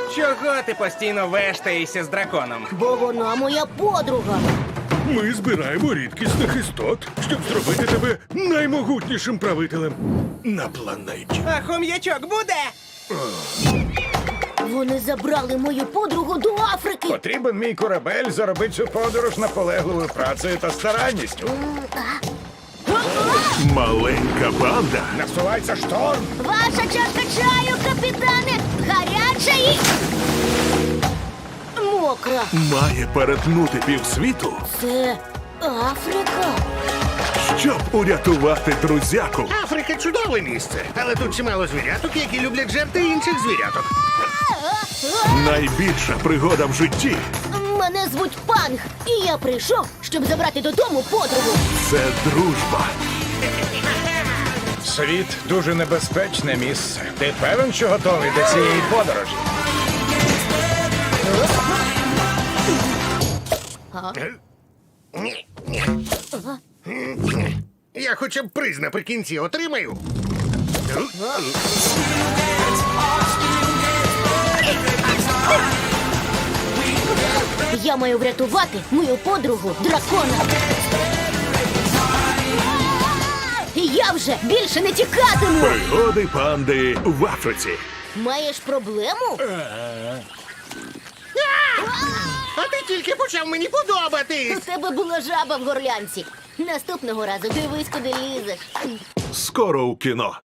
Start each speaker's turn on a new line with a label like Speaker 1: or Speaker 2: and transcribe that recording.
Speaker 1: Чого ти постійно вештаєшся з драконом?
Speaker 2: Бо вона моя подруга.
Speaker 3: Ми збираємо рідкісних істот, щоб зробити тебе наймогутнішим правителем на планеті.
Speaker 1: А хом'ячок буде?
Speaker 2: Вони забрали мою подругу до Африки.
Speaker 4: Потрібен мій корабель заробити цю подорож наполегливою працею та старанністю.
Speaker 3: Маленька банда
Speaker 4: Насувається шторм.
Speaker 2: Ваша чашка чаю, капітане, гаряча і мокра.
Speaker 3: має перетнути півсвіту,
Speaker 2: Це Африка.
Speaker 3: щоб урятувати друзяку.
Speaker 5: Африка чудове місце, але тут чимало звіряток, які люблять жерти інших звіряток.
Speaker 3: Найбільша пригода в житті
Speaker 2: Мене звуть Панг, і я прийшов, щоб забрати додому подругу.
Speaker 3: – це дружба.
Speaker 4: Світ дуже небезпечне місце. Ти певен, що готовий до цієї подорожі?
Speaker 5: Ні, ні. Я хоча б приз наприкінці отримаю.
Speaker 2: Я маю врятувати мою подругу дракона. І я вже більше не тікатиму.
Speaker 3: Пригоди панди в Африці.
Speaker 2: Маєш проблему?
Speaker 5: А ти тільки почав мені подобатись.
Speaker 2: У тебе була жаба в горлянці. Наступного разу дивись, куди лізеш.
Speaker 3: Скоро у кіно.